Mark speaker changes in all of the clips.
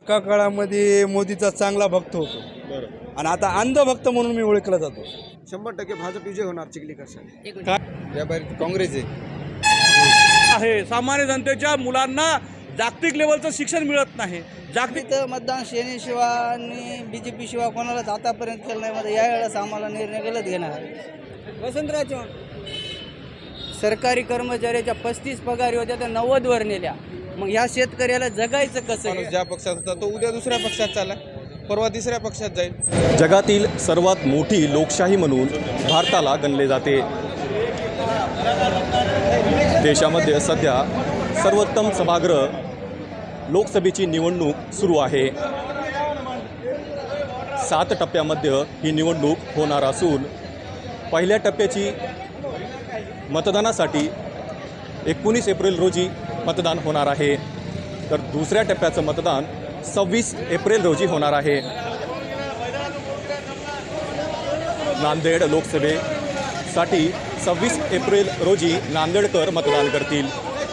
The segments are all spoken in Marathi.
Speaker 1: एका काळामध्ये मोदीचा चांगला भक्त होतो
Speaker 2: बरं.
Speaker 1: आणि आता अंधभक्त म्हणून मी ओळखला जातो.
Speaker 3: 100% भाजप विजय होणार चिखलीकर साहेब.
Speaker 1: या बाहेर काँग्रेस आहे.
Speaker 4: आहे सामान्य जनतेच्या मुलांना जागतिक लेवलचं शिक्षण मिळत नाही. जागतिक
Speaker 5: तर मतदान सेनेशिवाय आणि BJP शिवाय कोणालाच आतापर्यंत केलं नाही. मध्ये यावेळेस आम्हाला निर्णय गलत घेणार. वसंतराव चव्हाण सरकारी कर्मचाऱ्याच्या 35 पगारी होत्या त्या 90 वर नेल्या. मग ह्या शेतकऱ्याला जगायचं कसं?
Speaker 1: माणूस ज्या पक्षात होता तो उद्या दुसऱ्या पक्षात चालला, परवा तिसऱ्या पक्षात जाईल.
Speaker 2: जगातील सर्वात मोठी लोकशाही म्हणून भारताला गणले जाते. देशामध्ये सध्या सर्वोत्तम सभागृह लोकसभेची निवडणूक सुरू आहे. 7 टप्प्यामध्ये ही निवडणूक होणार असून पहिल्या टप्प्याची मतदानासाठी 19 एप्रिल रोजी मतदान होणार आहे, तर दुसऱ्या टप्प्याचं मतदान 26 एप्रिल रोजी होणार आहे. नांदेड लोकसभेसाठी 26 एप्रिल रोजी नांदेडकर मतदान करतील.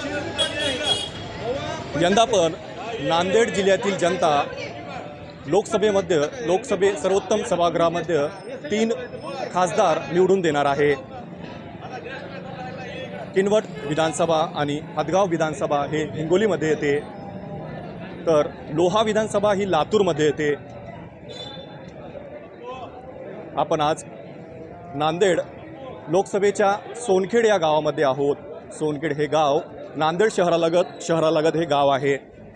Speaker 2: यंदा पण नांदेड जिल्ह्यातील जनता लोकसभे सर्वोत्तम सभागृहामध्ये 3 खासदार निवडून देणार आहे. किनवट विधानसभा आणि हदगाव विधानसभा हे हिंगोलीमध्ये येते, तर लोहा विधानसभा ही लातूरमध्ये येते. आपण आज नांदेड लोकसभेच्या सोनखेड या गावामध्ये आहोत. सोनखेड हे गाव नांदेड शहरालगत हे गाव आहे.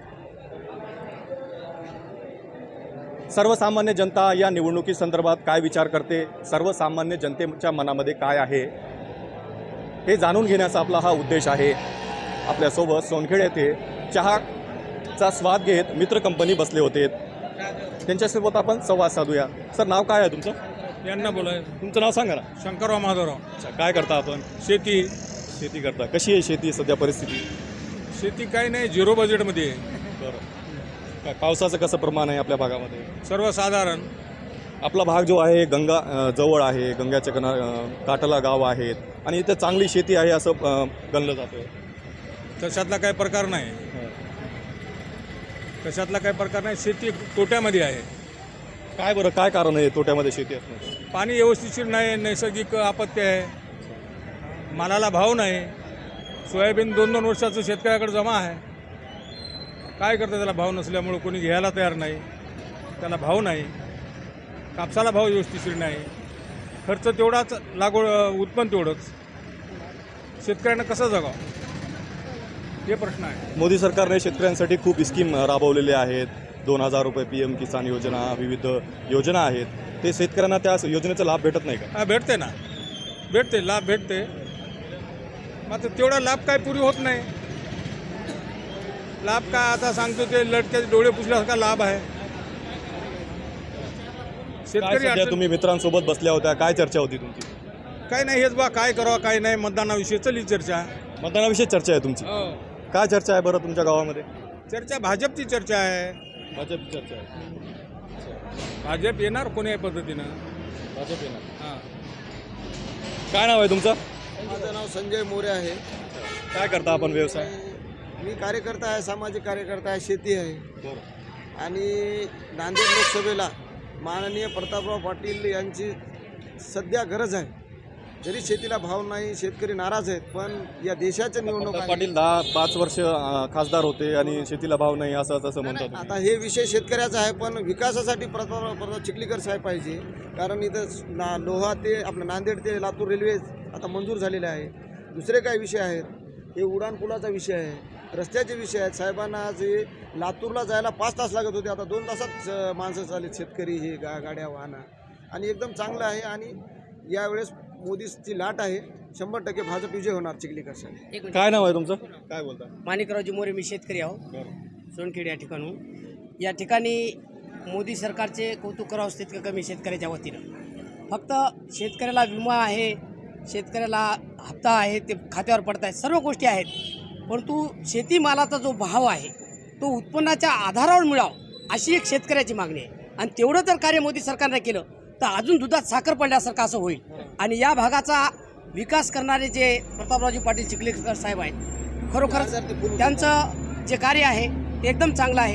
Speaker 2: सर्वसामान्य जनता या निवडणुकीसंदर्भात काय विचार करते, सर्वसामान्य जनतेच्या मनामध्ये काय आहे हे जाणून घेण्याचा आपला हा उद्देश आहे. आपल्यासोबत सोनखेड येथे चहाचा स्वाद घेत मित्र कंपनी बसले होते. त्यांच्यासोबत आपण संवाद साधूया. सर, नाव काय आहे तुमचं?
Speaker 4: यांना बोलाय
Speaker 2: तुमचं नाव सांगा ना.
Speaker 4: शंकरराव माधवराव.
Speaker 2: अच्छा, काय करता आपण? शेती करता. कशी आहे शेती सध्या परिस्थिती?
Speaker 4: शेती काही नाही, झिरो बजेटमध्ये आहे.
Speaker 2: बरं. काय पावसाचं कसं प्रमाण आहे आपल्या भागामध्ये?
Speaker 4: सर्वसाधारण
Speaker 2: आपला भाग जो आहे गंगा जवळ आहे, गंगाच्या काठाला गाव आहेत आणि इथे चांगली शेती आहे असं गणलं जातं.
Speaker 4: तशातला काही प्रकार नाही. तशातला काही प्रकार नाही. शेती तोट्यामध्ये आहे.
Speaker 2: काय बरं, काय कारण आहे तोट्यामध्ये शेती असण्याचं?
Speaker 4: पाणी व्यवस्थिशीर नाही, नैसर्गिक आपत्ती आहे, मालाला भाव नाही. सोयाबीन 2-2 वर्षाचं शेतकऱ्याकडे जमा आहे. काय करतं त्याला भाव नसल्यामुळं कोणी घ्यायला तयार नाही, त्याला भाव नाही. कापसाला भाव व्यवस्थिशीर नाही. खर्च तेवढाच, लागवड उत्पन्न तेवढंच. शेतकऱ्यांना कसं जगावं हे प्रश्न आहे.
Speaker 2: मोदी सरकारने शेतकऱ्यांसाठी खूप स्कीम राबवलेल्या आहेत. 2000 रुपये PM किसान योजना, विविध योजना आहेत. ते शेतकऱ्यांना त्या योजनेचा लाभ भेटत नाही का?
Speaker 4: हा, भेटते ना, भेटते, लाभ भेटते. मात्र तेवढा लाभ काय पुरी होत नाही. लाभ काय आता सांगतो ते लटक्याचे डोळे पुसल्यासारखा लाभ आहे.
Speaker 2: काय सध्या तुम्ही मित्रांसोबत बसल्या होत्या, काय चर्चा होती तुमची?
Speaker 4: काय नाही, हेच बा काय करावं काय नाही, मतदानाविषयी चली चर्चा.
Speaker 2: मतदानाविषयी चर्चा आहे तुमची? काय चर्चा आहे बरं तुमच्या गावामध्ये?
Speaker 4: चर्चा भाजपची चर्चा आहे.
Speaker 2: भाजपची चर्चा आहे.
Speaker 4: भाजप येणार कोणी पद्धतीनं.
Speaker 2: भाजप येणार.
Speaker 4: हां.
Speaker 2: काय नाव आहे तुमचं?
Speaker 3: माझं नाव संजय मोरे आहे.
Speaker 2: काय करता आपण व्यवसाय?
Speaker 3: मी कार्यकर्ता आहे, सामाजिक कार्यकर्ता आहे, शेती आहे.
Speaker 2: बरं.
Speaker 3: आणि नांदेड लोकसभेला माननीय प्रतापराव पाटील यांची सध्या गरज आहे. जरी शेतीला भाव नाही, शेतकरी नाराज आहेत, पण या देशाच्या निवडणुका
Speaker 2: पाटील 5 वर्ष खासदार होते आणि शेतीला भाव नाही असं म्हणतात.
Speaker 3: आता हे विषय शेतकऱ्याचा आहे, पण विकासासाठी प्रताप चिखलीकर साहेब पाहिजे. कारण इथं लोहा ते आपलं नांदेड ते लातूर रेल्वे आता मंजूर झालेले आहे. दुसरे काय विषय आहेत, हे उड्डाणपुलाचा विषय आहे, रस्त्याचे विषय आहेत. साहेबांना जे लातूरला जायला 5 तास लागत होते, आता 2 तासात माणसं चालले शेतकरी हे गाड्या वाहनं. आणि एकदम चांगलं आहे. आणि यावेळेस मोदीची लाट आहे. 100% भाजप विजय होणार चिखलीकर साहेब.
Speaker 2: काय नाव आहे तुमचं? काय बोलता?
Speaker 5: माणिकरावजी मोरे, मी शेतकरी आहो, सोनखेड या ठिकाणून. या ठिकाणी मोदी सरकारचे कौतुक करावं तितकं कमी शेतकऱ्याच्या वतीनं. फक्त शेतकऱ्याला विमा आहे, शेतकऱ्याला हप्ता आहे, ते खात्यावर पडत आहेत, सर्व गोष्टी आहेत. परंतु शेतीमालाचा जो भाव आहे तो उत्पन्नाच्या आधारावर मिळावा अशी एक शेतकऱ्याची मागणी आहे. आणि तेवढं जर कार्य मोदी सरकारने केलं तर अजून दुधात साखर पडल्यासारखं असं होईल. आणि या भागाचा विकास करणारे जे प्रतापरावजी पाटील चिखलीकर साहेब आहेत, खरोखरच त्यांचं जे कार्य आहे ते एकदम चांगलं आहे.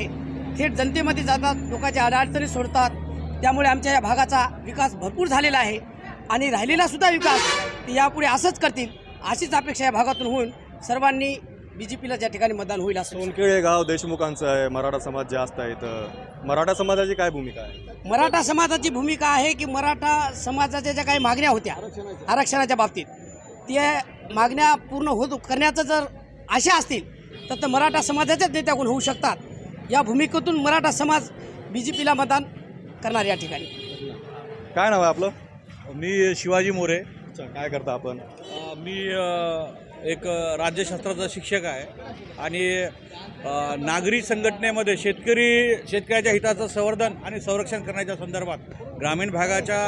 Speaker 5: थेट जनतेमध्ये जातात, लोकांच्या अडचणी सोडतात. त्यामुळे आमच्या या भागाचा विकास भरपूर झालेला आहे आणि राहिलेला सुद्धा विकास ते यापुढे असंच करतील, अशीच अपेक्षा या भागातून होऊन सर्वांनी BJPला ज्या ठिकाणी मतदान होईल असं.
Speaker 2: सोनखेडे गाव देशमुखांचं आहे, मराठा समाज जास्त आहे, तर मराठा समाजाची काय भूमिका आहे?
Speaker 5: मराठा समाजाची भूमिका आहे की मराठा समाजाच्या ज्या काही मागण्या होत्या आरक्षणाच्या बाबतीत, त्या मागण्या पूर्ण करण्याचं जर आशा असतील तर मराठा समाजाच्याच नेत्याकडून होऊ शकतात. या भूमिकेतून मराठा समाज BJPला मतदान करणार या ठिकाणी.
Speaker 2: काय नाव आहे आपलं?
Speaker 6: मी शिवाजी मोरे.
Speaker 2: अच्छा, काय करता आपण?
Speaker 6: मी एक राज्यशास्त्राचा शिक्षक आहे आणि नागरी संघटनेमध्ये शेतकऱ्याच्या हिताचं संवर्धन आणि संरक्षण करण्याच्या संदर्भात ग्रामीण भागाच्या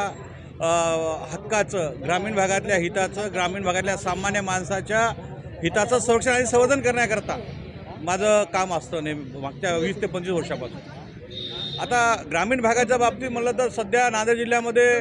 Speaker 6: हक्काचं, ग्रामीण भागातल्या हिताचं, ग्रामीण भागातल्या सामान्य माणसाच्या हिताचं संरक्षण आणि संवर्धन करण्याकरता माझं काम असतं मागच्या 20 ते 25 वर्षापासून. आता ग्रामीण भागाच्या बाबतीत म्हणलं तर सध्या नांदेड जिल्ह्यामध्ये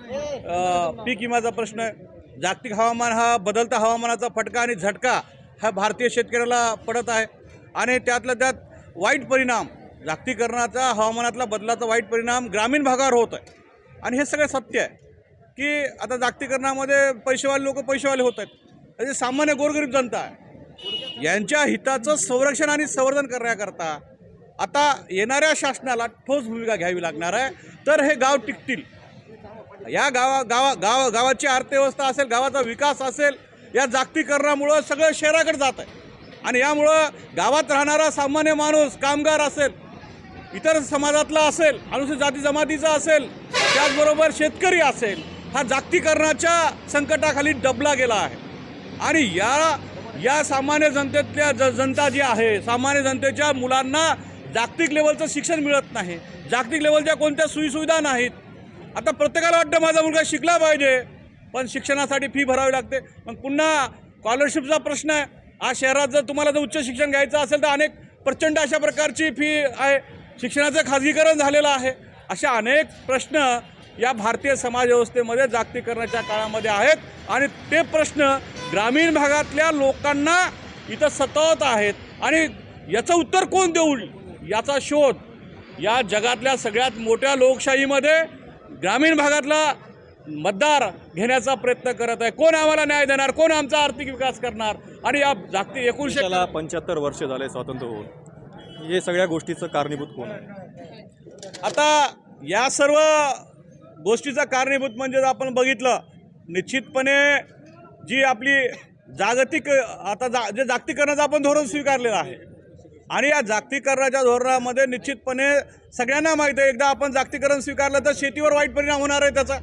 Speaker 6: पीक विम्याचा प्रश्न आहे. जागतिक हवामान हा बदलता हवामानाचा फटका आणि झटका हा भारतीय शेतकऱ्याला पडत आहे आणि त्यातल्या त्यात वाईट परिणाम जागतिकीकरणाचा, हवामानातला बदलाचा वाईट परिणाम ग्रामीण भागावर होत आहे. आणि हे सगळं सत्य आहे की आता जागतिकीकरणामध्ये पैसेवाले लोक पैसेवाले होत आहेत, म्हणजे सामान्य गोरगरीब जनता आहे, यांच्या हिताचं संरक्षण आणि संवर्धन करण्याकरता आता येणाऱ्या शासनाला ठोस भूमिका घ्यावी लागणार आहे. तर हे गाव टिकतील. या गावाची अर्थव्यवस्था असेल, गावाचा विकास असेल, या जागतिकीकरणामुळं सगळं शहराकडे जात आहे आणि यामुळं गावात राहणारा सामान्य माणूस, कामगार असेल, इतर समाजातला असेल, अनुसूचित जाती जमातीचा असेल, त्याचबरोबर शेतकरी असेल, हा जागतिकीकरणाच्या संकटाखाली दबला गेला आहे. आणि या सामान्य जनतेतल्या जनता जी आहे, सामान्य जनतेच्या मुलांना जागतिक लेवलचं शिक्षण मिळत नाही, जागतिक लेवलच्या कोणत्या सोयीसुविधा नाहीत. आता प्रत्येकाला वाटतं माझा मुलगा शिकला पाहिजे, पण शिक्षणासाठी फी भरावी लागते. मग पुन्हा स्कॉलरशिपचा प्रश्न आहे. आज शहरात जर तुम्हाला जर उच्च शिक्षण घ्यायचं असेल तर अनेक प्रचंड अशा प्रकारची फी आहे. शिक्षणाचं खाजगीकरण झालेलं आहे. अशा अनेक प्रश्न या भारतीय समाज व्यवस्थेमध्ये जागतिकीकरणाच्या काळामध्ये आहेत आणि ते प्रश्न ग्रामीण भागातल्या लोकांना इथं सतावत आहेत. आणि याचं उत्तर कोण देईल याचा शोध या जगातल्या सगळ्यात मोठ्या लोकशाहीमध्ये ग्रामीण भागातला मतदार घेण्याचा प्रयत्न करत आहे. कोण आम्हाला न्याय देणार, कोण आमचा आर्थिक विकास करणार. आणि या जागतिक
Speaker 2: 75 वर्ष झाले स्वातंत्र्य होऊन, हे सगळ्या गोष्टीचं कारणीभूत कोण आहे?
Speaker 6: आता या सर्व गोष्टीचा कारणीभूत म्हणजे आपण बघितलं निश्चितपणे जी आपली जागतिक जे जागतिकीकरणाचं आपण धोरण स्वीकारलेलं आहे आणि या जागतिकीकरणाच्या धोरणामध्ये निश्चितपणे सगळ्यांना माहीत आहे, एकदा आपण जागतिकीकरण स्वीकारलं तर शेतीवर वाईट परिणाम होणार आहे. त्याचा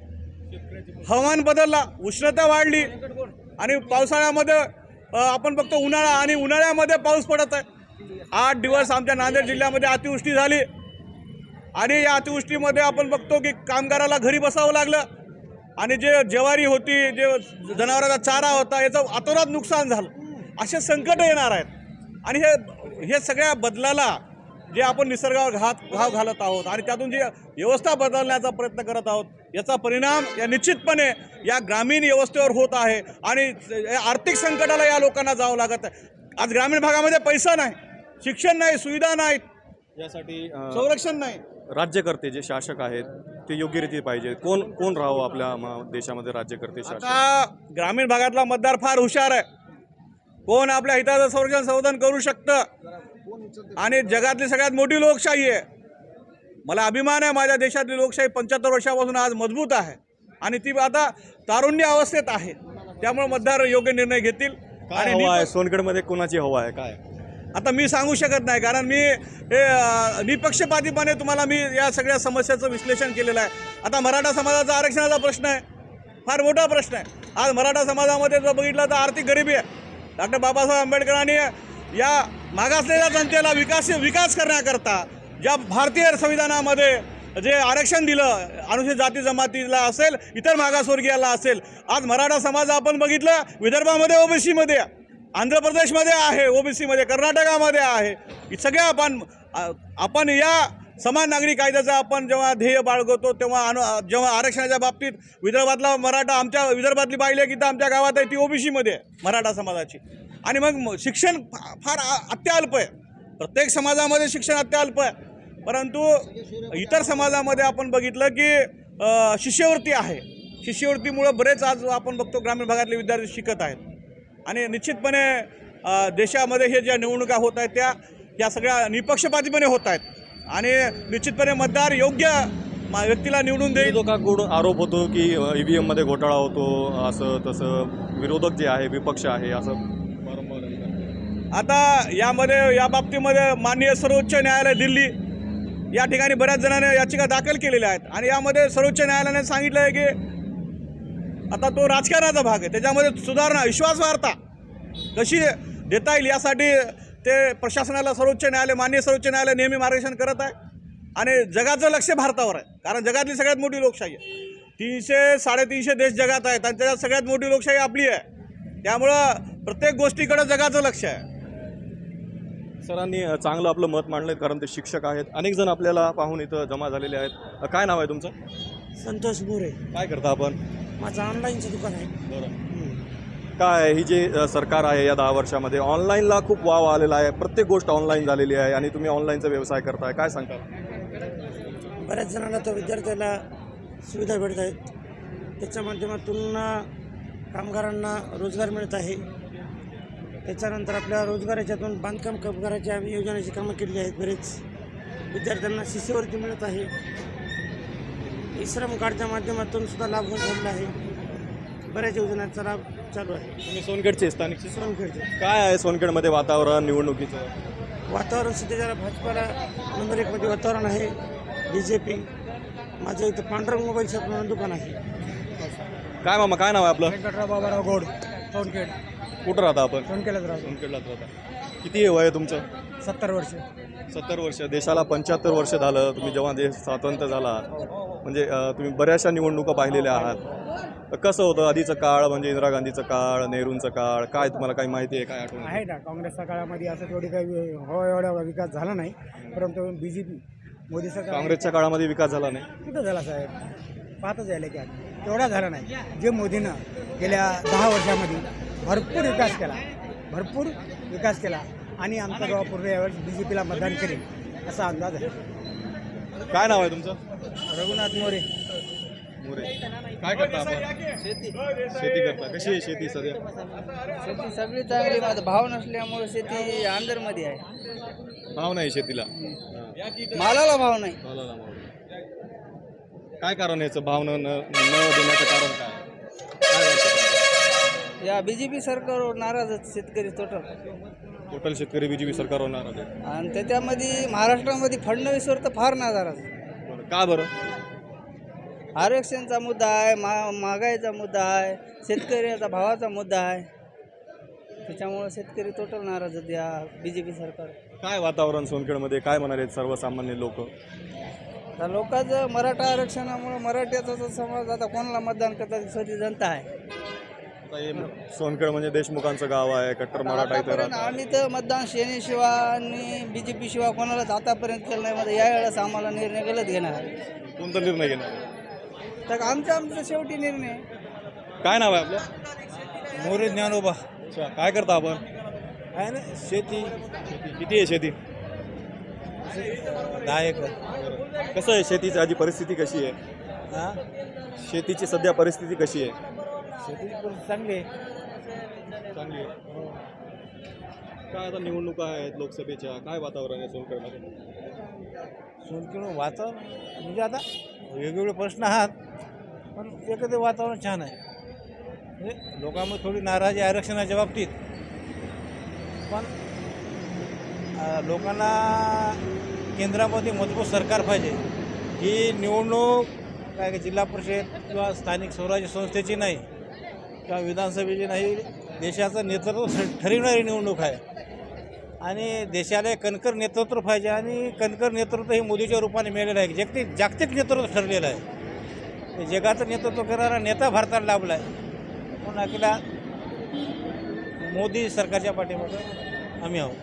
Speaker 6: हवामान बदलला, उष्णता वाढली आणि पावसाळ्यामध्ये आपण बघतो उन्हाळा आणि उन्हाळ्यामध्ये पाऊस पडत आहे. 8 दिवस आमच्या नांदेड जिल्ह्यामध्ये अतिवृष्टी झाली आणि या अतिवृष्टीमध्ये आपण बघतो की कामगाराला घरी बसावं लागलं आणि जे ज्वारी होती, जे जनावरांचा चारा होता, याचं अतोनात नुकसान झालं. असे संकट येणार आहेत आणि हे सगळ्या बदलाला जे आपण निसर्गावर घाव घालत आहोत आणि त्यातून जी व्यवस्था बदलण्याचा प्रयत्न करत आहोत, याचा परिणाम या निश्चितपणे या ग्रामीण व्यवस्थेवर होत आहे आणि आर्थिक संकटाला या लोकांना जावं लागत आहे. आज ग्रामीण भागामध्ये पैसा नाही, शिक्षण नाही, सुविधा नाहीत,
Speaker 2: यासाठी
Speaker 6: संरक्षण नाही.
Speaker 2: राज्यकर्ते जे शासक आहेत ते योग्य रीती पाहिजे. कोण राहावं आपल्या देशामध्ये राज्यकर्ते शासक?
Speaker 6: आता ग्रामीण भागातला मतदार फार हुशार आहे. कोण आपल्या हिताचं संरक्षण संवर्धन करू शकतं आणि जगातली सगळ्यात मोठी लोकशाही आहे. मला अभिमान आहे माझ्या देशातली लोकशाही 75 वर्षापासून आज मजबूत आहे आणि ती आता तारुण्य अवस्थेत आहे. त्यामुळे मतदार योग्य निर्णय घेतील.
Speaker 2: आणि हवा आहे सोनगडमध्ये, कोणाची हवा आहे काय?
Speaker 6: आता मी सांगू शकत नाही, कारण मी निपक्षपातीपणे तुम्हाला मी या सगळ्या समस्याचं विश्लेषण केलेलं आहे. आता मराठा समाजाचा आरक्षणाचा प्रश्न आहे, फार मोठा प्रश्न आहे. आज मराठा समाजामध्ये जर बघितलं तर आर्थिक गरिबी आहे. डॉक्टर बाबासाहेब आंबेडकरांनी या मागासलेल्या जनतेला विकास करण्याकरता ज्या भारतीय संविधानामध्ये जे आरक्षण दिलं, अनुसूचित जाती जमातीला असेल, इतर मागासवर्गीयाला असेल, आज मराठा समाज आपण बघितलं विदर्भामध्ये ओबीसीमध्ये, आंध्र प्रदेशमध्ये आहे ओबीसीमध्ये, कर्नाटकामध्ये आहे. सगळ्या आपण या समान नागरी कायद्याचा आपण जेव्हा ध्येय बाळगतो जेव्हा आरक्षणाच्या बाबतीत विदर्भातला मराठा, आमच्या विदर्भातली बाई लेक इथं आमच्या गावात आहे ती ओबीसीमध्ये आहे मराठा समाजाची. आणि मग शिक्षण फार अत्यल्प आहे. प्रत्येक समाजामध्ये शिक्षण अत्यल्प आहे, परंतु इतर समाजामध्ये आपण बघितलं की शिष्यवृत्ती आहे. शिष्यवृत्तीमुळं बरेच आज आपण बघतो ग्रामीण भागातले विद्यार्थी शिकत आहेत आणि निश्चितपणे देशामध्ये हे ज्या निवडणुका होत आहेत या सगळ्या निपक्षपातीपणे होत आहेत आणि निश्चितपणे मतदार योग्य व्यक्तीला निवडून देईल.
Speaker 2: विरोधकाकडून आरोप होतो की EVM मध्ये घोटाळा होतो, असं तसं विरोधक जे आहे, विपक्ष आहे, असं वारंवार.
Speaker 6: आता या बाबतीमध्ये माननीय सर्वोच्च न्यायालय दिल्ली या ठिकाणी बऱ्याच जणांनी याचिका दाखल केलेल्या आहेत आणि यामध्ये सर्वोच्च न्यायालयाने सांगितलं आहे की आता तो राजकारणाचा भाग आहे, त्याच्यामध्ये सुधारणा, विश्वासार्हता कशी देता येईल यासाठी ते प्रशासनाला माननीय सर्वोच्च न्यायालय नेहमी मार्गदर्शन करत आहे आणि जगाचं लक्ष भारतावर आहे, कारण जगातली सगळ्यात मोठी लोकशाही आहे. 300-350 देश जगात आहेत आणि त्याच्यात सगळ्यात मोठी लोकशाही आपली आहे. त्यामुळं प्रत्येक गोष्टीकडे जगाचं लक्ष आहे.
Speaker 2: सरांनी चांगलं आपलं मत मांडलं, कारण ते शिक्षक आहेत. अनेक जण आपल्याला पाहून इथं जमा झालेले आहेत. काय नाव आहे तुमचं?
Speaker 5: संतोष मोरे.
Speaker 2: काय करता आपण?
Speaker 5: माझं ऑनलाईनचं दुकान आहे.
Speaker 2: बरं. काय ही जे सरकार आहे या 10 वर्षामध्ये ऑनलाईनला खूप वाव आलेला आहे, प्रत्येक गोष्ट ऑनलाईन झालेली आहे आणि तुम्ही ऑनलाईनचा व्यवसाय करताय, काय सांगता?
Speaker 5: बऱ्याच जणांना तर विद्यार्थ्याला सुविधा भेटत आहेत, त्याच्या माध्यमातून कामगारांना रोजगार मिळत आहे. त्याच्यानंतर आपल्या रोजगार याच्यातून बांधकाम कामगाराच्या आम्ही योजनेची कामं केलेली आहेत. बरेच विद्यार्थ्यांना शिष्यवृत्ती मिळत आहे. श्रम कार्डच्या माध्यमातून सुद्धा लाभ होत झालेला आहे. बऱ्याच योजनांचा लाभ चालू आहे.
Speaker 2: तुम्ही सोनखेडचे स्थानिकचे?
Speaker 5: सोनखेडचे.
Speaker 2: काय आहे सोनखेडमध्ये वातावरण निवडणुकीचं?
Speaker 5: वातावरण सध्या भाजपाला नंबर 1 मध्ये वातावरण आहे. BJP. माझं इथं पांढरंग मोबाईल शॉप म्हणून दुकान आहे.
Speaker 2: काय मामा, काय नाव आहे आपलं?
Speaker 5: वेंकटराव बाबाराव गोड, सोनखेड.
Speaker 2: कुठं राहता आपण?
Speaker 5: सोनखेडलाच राहतो.
Speaker 2: सोनखेडलाच राहता. किती वय आहे तुमचं?
Speaker 5: 70 वर्ष.
Speaker 2: 70 वर्ष. देशाला 75 वर्ष झालं. तुम्ही जेव्हा देश स्वातंत्र्य झाला, म्हणजे तुम्ही बऱ्याचशा निवडणुका पाहिलेल्या आहात. कसं होतं आधीचं काळ, म्हणजे इंदिरा गांधीचं काळ, नेहरूंचं काळ, काय तुम्हाला काही माहिती आहे, काय आठवण
Speaker 7: आहे ना? काँग्रेसच्या काळामध्ये असं तेवढी काही एवढा विकास झाला नाही, परंतु BJP मोदी सरकार.
Speaker 2: काँग्रेसच्या काळामध्ये विकास झाला नाही?
Speaker 7: कुठं झाला साहेब? पाहतच यायला की तेवढा झाला नाही. जे मोदीनं गेल्या 10 वर्षामध्ये भरपूर विकास केला आणि आमचा गाव पूर्ण यावेळेस BJPला मतदान करेल असा अंदाज आहे.
Speaker 2: काय नाव आहे तुमचं?
Speaker 7: रघुनाथ मोरे.
Speaker 2: काय करता आपण? शेती करता. कशी आहे शेती सध्या?
Speaker 8: शेती सगळी चांगली, माझा भाव नसल्यामुळे शेती अंदरमध्ये आहे.
Speaker 2: भाव नाही शेतीला?
Speaker 8: मालाला भाव नाही.
Speaker 2: काय कारण याचं भाव न देण्याचं कारण काय
Speaker 8: या BJP सरकारवर नाराज आहेत शेतकरी
Speaker 2: टोटल शेतकरी BJP सरकारवर नाराज आहे?
Speaker 8: आणि त्याच्यामध्ये महाराष्ट्रामध्ये फडणवीसवर तर फार नाराज.
Speaker 2: का बरं?
Speaker 8: आरक्षणचा मुद्दा आहे, महागाईचा मुद्दा आहे, शेतकऱ्याचा भावाचा मुद्दा आहे, त्याच्यामुळे शेतकरी टोटल नाराज आहेत या BJP सरकार.
Speaker 2: काय वातावरण सोनखेडमध्ये, काय म्हणाले सर्वसामान्य लोक?
Speaker 8: तर लोकांचं मराठा आरक्षणामुळे मराठ्याचा समाज आता कोणाला मतदान करतात स्वतः जनता आहे.
Speaker 2: आता हे सोनखेड म्हणजे देशमुखांचं गाव आहे, कट्टर मराठा इथं राहतात.
Speaker 8: आम्ही तर मतदान सेनेशिवाय आणि BJP शिवाय कोणालाच आतापर्यंत केलं नाही. मध्ये यावेळेस आम्हाला निर्णय गलत घेणार आहे.
Speaker 2: कोणता निर्णय घेणार?
Speaker 8: तर आमचा शेवटी निर्णय.
Speaker 2: काय नाव आहे आपलं?
Speaker 4: मोरे ज्ञानोबा.
Speaker 2: अच्छा. काय करता आपण?
Speaker 4: आहे ना शेती.
Speaker 2: किती आहे शेती?
Speaker 4: 10 एकर.
Speaker 2: कसं आहे शेतीची आधी परिस्थिती कशी आहे?
Speaker 4: हां,
Speaker 2: शेतीची सध्या परिस्थिती कशी आहे?
Speaker 4: शेतीची परिस्थिती चांगली आहे.
Speaker 2: चांगली आहे. काय आता निवडणुका आहेत लोकसभेच्या, काय वातावरण आहे सोनखेडमध्ये?
Speaker 4: सोनखेड वातावरण म्हणजे आता वेगवेगळे प्रश्न आहात, पण एकत्र वातावरण छान आहे. म्हणजे लोकांमध्ये थोडी नाराजी आरक्षणाच्या बाबतीत, पण लोकांना केंद्रामध्ये मजबूत सरकार पाहिजे. ही निवडणूक काय जिल्हा परिषद किंवा स्थानिक स्वराज्य संस्थेची नाही किंवा विधानसभेची नाही, देशाचं नेतृत्व ठरविणारी निवडणूक आहे आणि देशाला कणकर नेतृत्व पाहिजे आणि कणकर नेतृत्व हे मोदीच्या रूपाने मिळालेलं आहे. जागतिक नेतृत्व ठरलेलं आहे. जगाचं नेतृत्व करणारा नेता भारताला लाभला आहे. पण अखेरला मोदी सरकारच्या पाठीमागे आम्ही आहोत.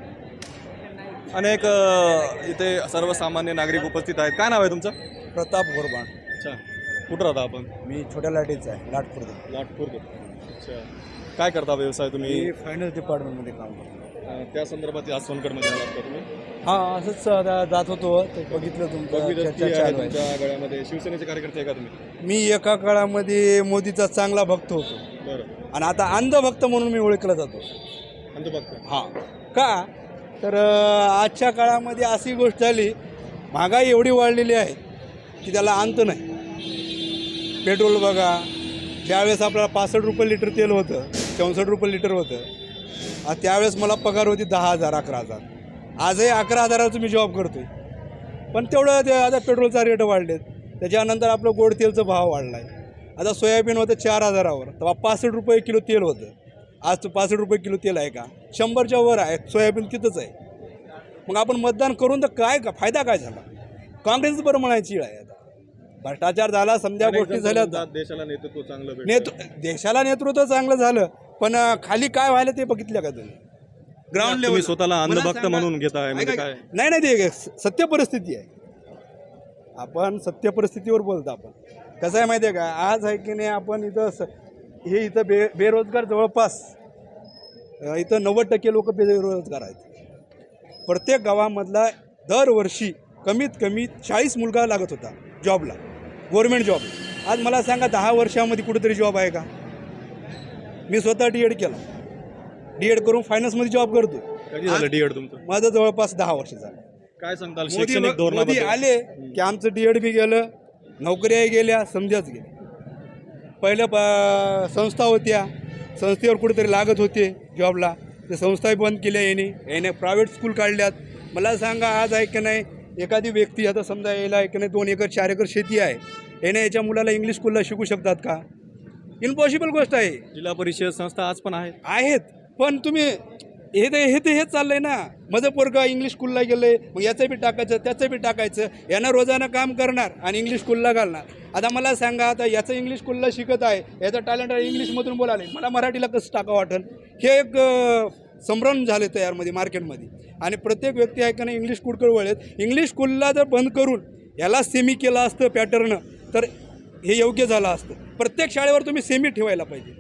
Speaker 2: अनेक इथे सर्वसामान्य नागरिक उपस्थित आहेत. काय नाव आहे तुमचं?
Speaker 9: प्रताप गोरबाण.
Speaker 2: अच्छा. कुठं राहता आपण?
Speaker 9: मी छोट्या लाटेचा आहे, लाटपूर.
Speaker 2: अच्छा. काय करता व्यवसाय तुम्ही?
Speaker 9: मी फायनान्स डिपार्टमेंटमध्ये काम करतो.
Speaker 2: त्या संदर्भात आज सोनगडमध्ये आलात का तुम्ही?
Speaker 9: हां असंच जात होतो ते बघितलं तुमचं
Speaker 2: भगीरथ
Speaker 9: चर्चा
Speaker 2: आहे
Speaker 9: चालू आहे.
Speaker 2: तुमच्या गळ्यामध्ये शिवसेनेचे कार्यकर्ते आहे का तुम्ही?
Speaker 9: मी एका काळामध्ये मोदीचा चांगला भक्त होतो
Speaker 2: बरं.
Speaker 9: आणि आता अंधभक्त म्हणून मी ओळखला जातो.
Speaker 2: अंधभक्त.
Speaker 9: हां का तर आजच्या काळामध्ये अशी गोष्ट झाली, महागाई एवढी वाढलेली आहे की त्याला अंत नाही. पेट्रोल बघा, ज्यावेळेस आपल्याला 65 रुपये लिटर तेल होतं, 64 रुपये लिटर होतं, त्यावेळेस मला पगार होती 10,000 11,000. आजही 11,000चं मी जॉब करतो आहे. पण तेवढं ते आता पेट्रोलचा रेट वाढलेत, त्याच्यानंतर आपलं गोड तेलचा भाव वाढला आहे. आता सोयाबीन होतं 4,000वर, तेव्हा 65 रुपये किलो तेल होतं. आज तो 65 रुपये किलो तेल आहे का? 100च्या वर आहे. सोयाबीन तिथंच आहे. मग आपण मतदान करून तर काय का फायदा काय झाला? काँग्रेसच बरं म्हणायची आहे. आता भ्रष्टाचार झाला, समजा गोष्टी झाल्या.
Speaker 2: देशाला नेतृत्व चांगलं
Speaker 9: देशाला नेतृत्व चांगलं झालं, पण खाली काय व्हायला ते बघितलं का तुम्ही? ग्राउंड
Speaker 2: तुम्ही
Speaker 9: लेवल
Speaker 2: स्वतःला अंधभक्त म्हणून घेताय म्हणजे काय?
Speaker 9: नाही ते सत्य परिस्थिती आहे. आपण सत्य परिस्थितीवर बोलतो. आपण कसं आहे माहिती आहे का, आज आहे की नाही आपण इथं हे इथं बेरोजगार जवळपास इथं 90% लोक बेरोजगार आहेत. प्रत्येक गावामधला दरवर्षी कमीत कमी 40 मुलगा लागत होता जॉबला, गव्हर्मेंट जॉब. आज मला सांगा 10 वर्षामध्ये कुठेतरी जॉब आहे का? मी स्वतः D.Ed केला. D.Ed करून फायनान्समध्ये जॉब करतो.
Speaker 2: कधी झालं D.Ed तुमचं?
Speaker 9: माझं जवळपास 10 वर्ष झालं.
Speaker 2: काय सांगताल
Speaker 9: मोदी
Speaker 2: शैक्षणिक धोरणाबद्दल?
Speaker 9: आले की आमचं D.Ed बी गेलं, नोकऱ्याही गेल्या, समजाच गेल्या. पहिलं संस्था होत्या, संस्थेवर कुठेतरी लागत होते जॉबला, ते संस्थाही बंद केल्या याने प्रायव्हेट स्कूल काढल्यात. मला सांगा आज आहे की नाही, एखादी व्यक्ती आता समजा यायला आहे की नाही 2 एकर 4 एकर शेती आहे, याने याच्या मुलाला इंग्लिश स्कूलला शिकू शकतात का? इम्पॉसिबल गोष्ट आहे.
Speaker 2: जिल्हा परिषद संस्था आज पण
Speaker 9: आहेत, पण तुम्ही हेच चाललंय ना. माझं पोरगा इंग्लिश स्कूलला गेलंय, मग याचं बी टाकायचं, त्याचं बी टाकायचं. यानं रोजानं काम करणार आणि इंग्लिश स्कूलला घालणार. आता मला सांगा, आता याचं इंग्लिश स्कूलला शिकत आहे, याचं टॅलेंट आहे इंग्लिशमधून बोलाले, मला मराठीला कसं टाका वाटेल? हे एक संभ्रम झाले तयारमध्ये मार्केटमध्ये. आणि प्रत्येक व्यक्ती आहे का नाही इंग्लिश स्कूलकडे वळेल. इंग्लिश स्कूलला जर बंद करून याला सेमी केलं असतं पॅटर्न, तर हे योग्य झालं असतं. प्रत्येक शाळेवर तुम्ही सेमी ठेवायला पाहिजे.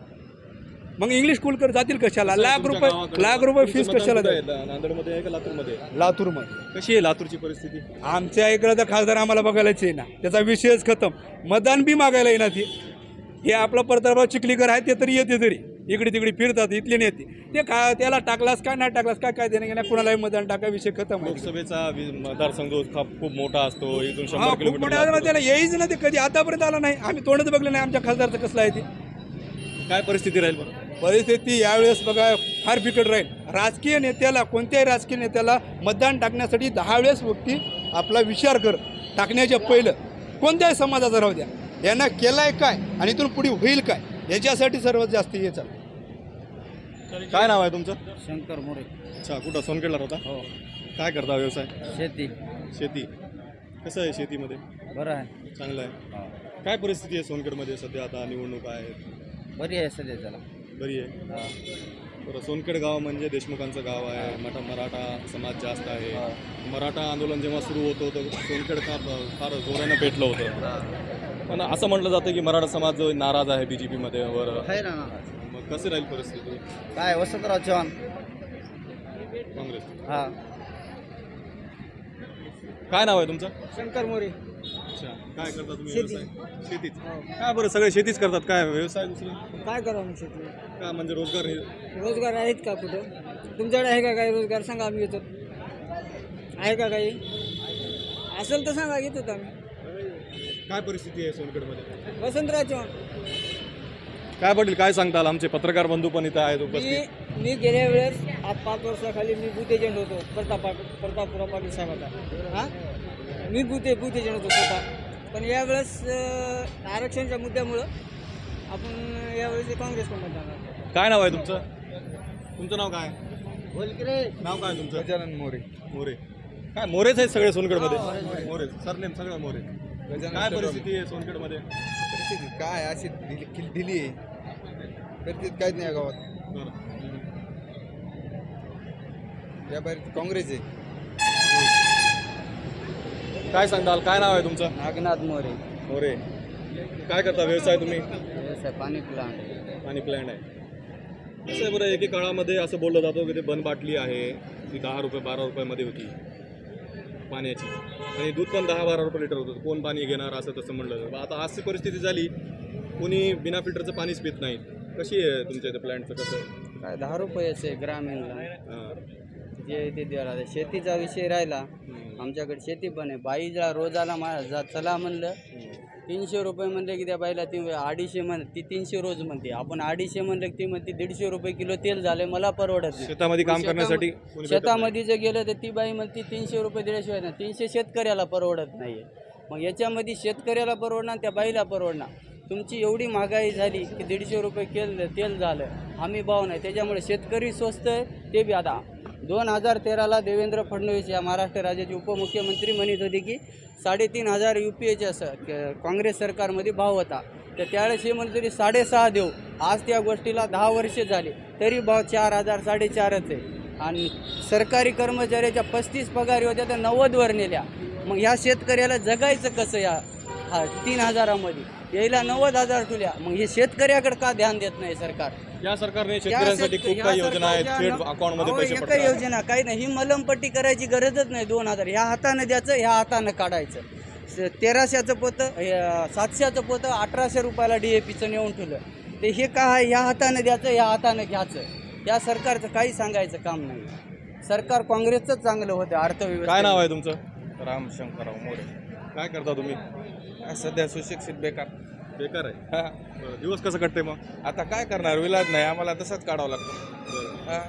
Speaker 9: मग इंग्लिश स्कूलकडे जातील कशाला? लाख रुपये फीस कशाला द्यायला?
Speaker 2: नांदेडमध्ये आहे का लातूरमध्ये?
Speaker 9: लातूरमध्ये.
Speaker 2: कशी आहे लातूरची परिस्थिती?
Speaker 9: आमच्या इकडं तर खासदार आम्हाला बघायलाच आहे ना, त्याचा विषयच खतम. मतदान बी मागायला येणार ते. हे आपलं प्रतापराव चिखलीकर आहे, ते तरी येते, तरी इकडे तिकडे फिरतात, इथले नेते. ते त्याला टाकलास काय नाही टाकलास काय देणं घेणं, कुणालाही मतदान टाका, विषय खतम.
Speaker 2: लोकसभेचा मतदारसंघ खूप मोठा असतो, इथून 100
Speaker 9: खूप
Speaker 2: किलोमीटर.
Speaker 9: मोठ्या त्याला येईच ना, ते कधी आतापर्यंत आला नाही. आम्ही तोंडच बघलं नाही आमच्या खासदारचं कसलं आहे ते.
Speaker 2: काय परिस्थिती राहील बरं?
Speaker 9: परिस्थिती यावेळेस बघा फार बिकट राहील. राजकीय नेत्याला, कोणत्याही राजकीय नेत्याला मतदान टाकण्यासाठी 10 वेळेस व्यक्ती आपला विचार कर. टाकण्याच्या पहिलं कोणत्याही समाजाचा राहू द्या, यांना केलाय काय आणि इथून पुढे होईल काय, याच्यासाठी सर्वात जास्त हे चालू.
Speaker 2: काय नाव आहे तुमचं?
Speaker 8: शंकर मोरे.
Speaker 2: अच्छा, कुठं सोनखेडला होता?
Speaker 8: हो.
Speaker 2: काय करता व्यवसाय?
Speaker 8: शेती.
Speaker 2: कसं आहे शेतीमध्ये?
Speaker 8: बरं आहे.
Speaker 2: चांगलं आहे. काय परिस्थिती आहे सोनखेडमध्ये सध्या? आता निवडणुका आहेत.
Speaker 8: बरी आहे सध्या त्याला.
Speaker 2: बरी आहे. बरं, सोनखेड गाव म्हणजे देशमुखांचं गाव आहे, मराठा समाज जास्त आहे. मराठा आंदोलन जेव्हा सुरू होतं तर सोनखेड फार जोरानं पेटलं होतं. पण असं म्हटलं जातं की मराठा समाज जो नाराज आहे BJPमध्ये वर.
Speaker 8: आहे ना.
Speaker 2: मग कशी राहील परिस्थिती?
Speaker 8: काय वसंतराव चव्हाण
Speaker 2: काँग्रेस.
Speaker 8: हां.
Speaker 2: काय नाव आहे तुमचं?
Speaker 7: शंकर मोरे.
Speaker 2: अच्छा, काय करता तुम्ही व्यवसाय? शेतीच. काय बरं, सगळे शेतीच करतात, काय व्यवसाय दुसरं
Speaker 7: काय करावं मग शेती?
Speaker 2: काय म्हणजे रोजगार
Speaker 7: रोजगार आहेत का कुठं? तुमच्याकडे आहे का काही रोजगार? सांगा, आम्ही येतो. आहे का काही? असेल तर सांगा, घेतो आम्ही.
Speaker 2: काय परिस्थिती आहे सोनखेडमध्ये?
Speaker 7: वसंतराव चव्हाण.
Speaker 2: काय पाटील, काय सांगताल? आमचे पत्रकार बंधू पण इथं आहेत उपस्थित.
Speaker 7: मी गेल्या वेळेस आज 5 वर्षाखाली मी बूथ एजंट होतो प्रतापराव पाटील साहेबाचा. हां, मी बूथ एजंट होतो स्वतः. पण यावेळेस आरक्षणाच्या मुद्द्यामुळं आपण यावेळेस काँग्रेसकडून जाणार.
Speaker 2: काय नाव आहे तुमचं? तुमचं नाव काय? नाव काय तुमचं?
Speaker 1: गजानन मोरे.
Speaker 2: मोरे. काय मोरेच आहेत सगळे सोनखेडमध्ये? मोरे सरनेम सगळं मोरे. काय परिस्थिती आहे सोनखेडमध्ये?
Speaker 1: परिस्थिती काय अशी ढिली आहे. परिस्थिती काहीच नाही गावात. या बाहेर काँग्रेस आहे.
Speaker 2: काय सांगताल? काय नाव आहे तुमचं?
Speaker 8: नागनाथ मोरे.
Speaker 2: मोरे. काय करता व्यवसाय तुम्ही?
Speaker 8: व्यवसाय पाणी प्लांट.
Speaker 2: पाणी प्लॅन्ट आहे. कसं आहे बरं, एके काळामध्ये असं बोललं जातं की ते बंद बाटली आहे ती 10 रुपये 12 रुपयामध्ये होती पाण्याची, आणि दूध पण 10-12 रुपये लिटर होतं. कोण पाणी घेणार असं तसं म्हणलं जातं. आता अशी परिस्थिती झाली, कोणी बिना फिल्टरचं पाणीच पित नाही. कशी आहे तुमच्या इथे प्लॅन्टचं कसं?
Speaker 8: काय 10 रुपयेच आहे ग्रामीणला,
Speaker 2: हां.
Speaker 8: जे ते द्यायला. शेतीचा विषय राहिला, आमच्याकडे शेती पण आहे. बाईला रोजाला चला म्हणलं 300 रुपये म्हणले की त्या बाईला ती 250 ती 300 रोज म्हणते. आपण 250 म्हणलं की ती म्हणते 150 रुपये किलो तेल झालं, मला परवडत नाही.
Speaker 2: शेतामध्ये काम करण्यासाठी कोणी भेटत
Speaker 8: शेतामध्ये जर गेलं तर ती बाई म्हणते 300 रुपये दिल्याशिवाय ना. 300 शेतकऱ्याला परवडत नाही आहे. मग याच्यामध्ये शेतकऱ्याला परवडणार, त्या बाईला परवडणार. तुमची एवढी महागाई झाली की 150 रुपये तेल झालं, हमी भाव नाही. त्याच्यामुळे शेतकरी स्वस्त आहे. ते बी आता 2013ला देवेंद्र फडणवीस या महाराष्ट्र राज्याचे उपमुख्यमंत्री म्हणत होते की 3,500 UPAच्या काँग्रेस सरकारमध्ये भाव होता. तर त्यावेळेस हे म्हणत होते 6.5 देऊ. आज त्या गोष्टीला 10 वर्षे झाले तरी भाव 4,000 4,500च आहे. आणि सरकारी कर्मचाऱ्याच्या 35 पगारी होत्या तर 90वर नेल्या. मग ह्या शेतकऱ्याला जगायचं कसं? या 3,000मध्ये यायला 90,000 ठेवल्या. मग हे शेतकऱ्याकडे का ध्यान देत नाही सरकार?
Speaker 2: या सरकारने शेतकऱ्यांसाठी खूप काही योजना आहेत, थेट अकाउंटमध्ये पैसे
Speaker 8: काही
Speaker 2: पडतात.
Speaker 8: योजना काही नाही. ही मलमपट्टी करायची गरजच नाही. 2,000 ह्या हातानं द्यायचं, ह्या हातानं काढायचं. 1300चं पोतं 700चं पोतं 1,800 रुपयाला DAPचं नेऊन ठेवलं. ते हे का आहे? ह्या हातानं द्यायचं, ह्या हातानं घ्यायचं. या सरकारचं काही सांगायचं काम नाही. सरकार काँग्रेसचंच चांगलं होतं अर्थव्यवस्था.
Speaker 2: काय नाव आहे तुमचं?
Speaker 1: रामशंकरराव मोरे.
Speaker 2: काय करता तुम्ही?
Speaker 1: सध्या सुशिक्षित बेकार.
Speaker 2: बेकार आहे.
Speaker 1: हा.
Speaker 2: बरं, दिवस कसं कटते मग?
Speaker 1: आता काय करणार, विलाज नाही, आम्हाला तसंच काढावं लागतं. हा.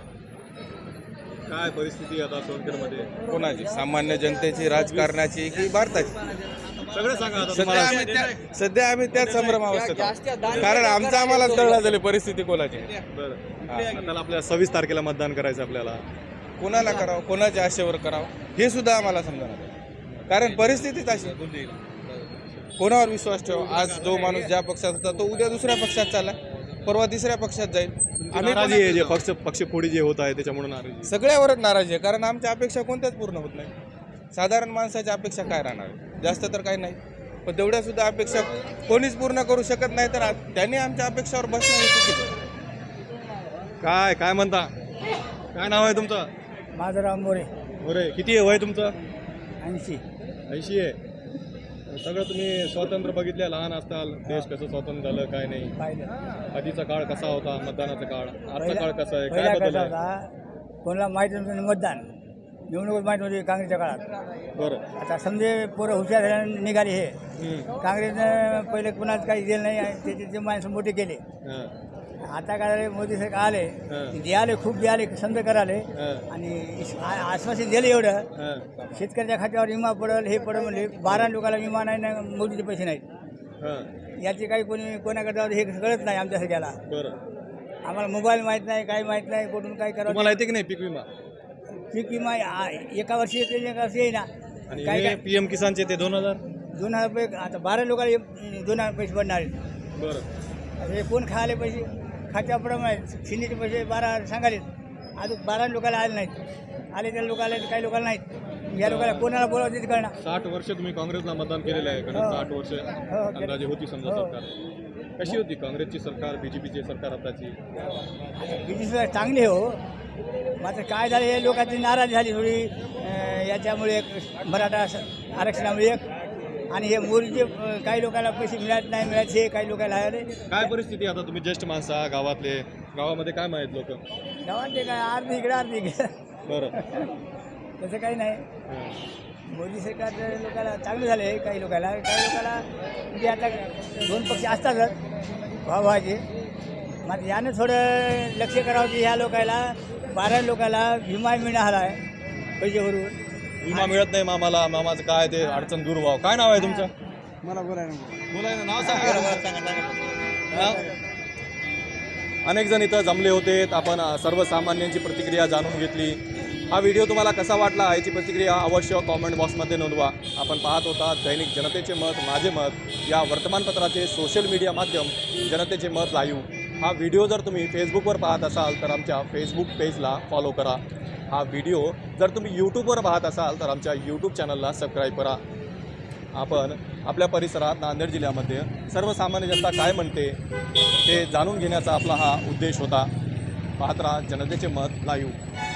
Speaker 2: काय परिस्थिती आता सोनखेडमध्ये?
Speaker 1: कोणाची? सामान्य जनतेची, राजकारणाची की भारताची?
Speaker 2: सगळं सांगा आता
Speaker 1: सध्या
Speaker 2: तुम्हाला.
Speaker 1: आम्ही त्याच संभ्रमावस्थेत
Speaker 8: जास्त
Speaker 1: आहोत.
Speaker 8: दान
Speaker 1: कारण आमचं आम्हाला कळलं झाली परिस्थिती कोणाची.
Speaker 2: बरं, आता आपल्याला 26 तारखेला मतदान करायचं आपल्याला.
Speaker 1: कोणाला करावं, कोणाच्या आशेवर करावं हे सुद्धा आम्हाला समजणार. कारण परिस्थितीच अशी. कोणावर विश्वास ठेवा? आज जो माणूस ज्या पक्षात होता तो उद्या दुसऱ्या पक्षात चालला, परवा तिसऱ्या पक्षात जाईल. आम्ही
Speaker 2: नाराजी आहे जे पक्षफोडी जे होत आहे त्याच्यामुळे नाराजी.
Speaker 1: सगळ्यावरच नाराजी आहे. कारण आमच्या अपेक्षा कोणत्याच पूर्ण होत नाही. साधारण माणसाच्या अपेक्षा काय राहणार? जास्त तर काही नाही, पण तेवढ्या सुद्धा अपेक्षा कोणीच पूर्ण करू शकत नाही. तर त्यांनी आमच्या अपेक्षावर बसणं हे चुकीचं.
Speaker 2: काय म्हणता? काय नाव आहे तुमचं?
Speaker 8: माझं मोरे.
Speaker 2: बरे, किती आहे वय तुमचं?
Speaker 8: 80.
Speaker 2: 80 आहे. सगळं तुम्ही स्वातंत्र्य बघितले, लहान असताल, देश कसं स्वतंत्र झालं काय नाही,
Speaker 8: पाहिलं
Speaker 2: आधीचा काळ कसा होता, मतदानाचा काळ, आजचा
Speaker 8: पहिला-
Speaker 2: काळ कसा आहे,
Speaker 8: पहिला
Speaker 2: काय बदल
Speaker 8: कसा
Speaker 2: आहे?
Speaker 8: होता, कोणाला माहीत नव्हतं मतदान, निवडणूक माहीत नव्हती काँग्रेसच्या काळात.
Speaker 2: बरं.
Speaker 8: आता समजे पोरं हुशार झाल्याने निघाले. हे काँग्रेसनं पहिले कुणाच काही दिलं नाही, त्याचे माणसं मोठे केले.
Speaker 2: हां.
Speaker 8: आता काय मोदी सरकार आले,
Speaker 2: हां.
Speaker 8: द्याले खूप द्याले, समजा कराले.
Speaker 2: हां.
Speaker 8: आणि आश्वासन दिलं एवढं,
Speaker 2: हां.
Speaker 8: शेतकऱ्याच्या खात्यावर विमा पडेल, हे पडेल म्हणले. 12 लोकांना विमा नाही ना, मोदीचे पैसे नाहीत.
Speaker 2: हां.
Speaker 8: याचे काही कोणी कोणाकडे जाऊ हे कळत नाही आमच्या सगळ्याला.
Speaker 2: बरं.
Speaker 8: आम्हाला मोबाईल माहीत नाही, काही माहीत नाही, कुठून काय करावं.
Speaker 2: तुम्हाला येते की नाही पीक विमा?
Speaker 8: पीक विमा एका वर्षी येते, एका वर्षी येईना.
Speaker 2: आणि
Speaker 8: काय काय
Speaker 2: PM किसानचे ते 2,000?
Speaker 8: 2,000 रुपये आता 12 लोकांना 2,000 पैसे पडणार आहेत.
Speaker 2: बरं.
Speaker 8: आता हे कोण खायला पैसे? खात्याप्रमाणे शिंदेचे पैसे 12 सांगाले, अजून 12 लोकांना आले नाहीत. आले त्या लोकांना, काही लोकांना नाहीत. या लोकांना कोणाला बोलावं ते कळणार.
Speaker 2: 60 वर्ष तुम्ही काँग्रेसला मतदान केलेलं आहे, कारण 60 वर्ष अंदाजे होती समजा सरकार. कशी होती काँग्रेसची सरकार, BJPची सरकार आताची?
Speaker 8: बीजेपी सरकार चांगली हो, मात्र काय झालं, हे लोकांची नाराजी झाली थोडी याच्यामुळे. मराठा आरक्षणामुळे एक, आणि हे मोदीचे काही लोकांना पैसे मिळत नाही, मिळायचे हे काही लोकांना आले.
Speaker 2: काय परिस्थिती आता? तुम्ही ज्येष्ठ माणसा, गावातले, गावामध्ये काय माहीत लोक?
Speaker 8: गावात ते काय अर्धी इकडे अर्धी इकडे,
Speaker 2: बरं.
Speaker 8: तसं काही नाही.
Speaker 2: हां.
Speaker 8: मोदी सरकारच्या लोकांना चांगलं झालं आहे, काही लोकांना म्हणजे आता 2 पक्ष असतातच भावाचे. मात्र यानं थोडं लक्ष करावं की ह्या लोकांना 12 लोकांना विमा मिळाला आहे पैसे भरून.
Speaker 2: विमा मिळत नाही मामाला, मामाचं काय ते अडचण दूर व्हावं. काय नाव आहे तुमचं?
Speaker 8: मला बोलायला
Speaker 2: बोलायला नाव सांगा. अनेक जण इथं जमले होते. आपण सर्वसामान्यांची प्रतिक्रिया जाणून घेतली. हा व्हिडिओ तुम्हाला कसा वाटला याची प्रतिक्रिया अवश्य कॉमेंट बॉक्समध्ये नोंदवा. आपण पाहत होता दैनिक जनतेचे मत माझे मत या वर्तमानपत्राचे सोशल मीडिया माध्यम जनतेचे मत लाईव्ह. हा व्हिडिओ जर तुम्ही फेसबुकवर पाहत असाल तर आमच्या फेसबुक पेजला फॉलो करा. हा व्हिडिओ जर तुम्ही यूट्यूबवर पाहत असाल तर आमच्या यूट्यूब चॅनलला सबस्क्राईब करा. आपण आपल्या परिसरात नांदेड जिल्ह्यामध्ये सर्वसामान्य जनता काय म्हणते ते जाणून घेण्याचा आपला हा उद्देश होता. पाहत राहा जनतेचे मत लाईव्ह.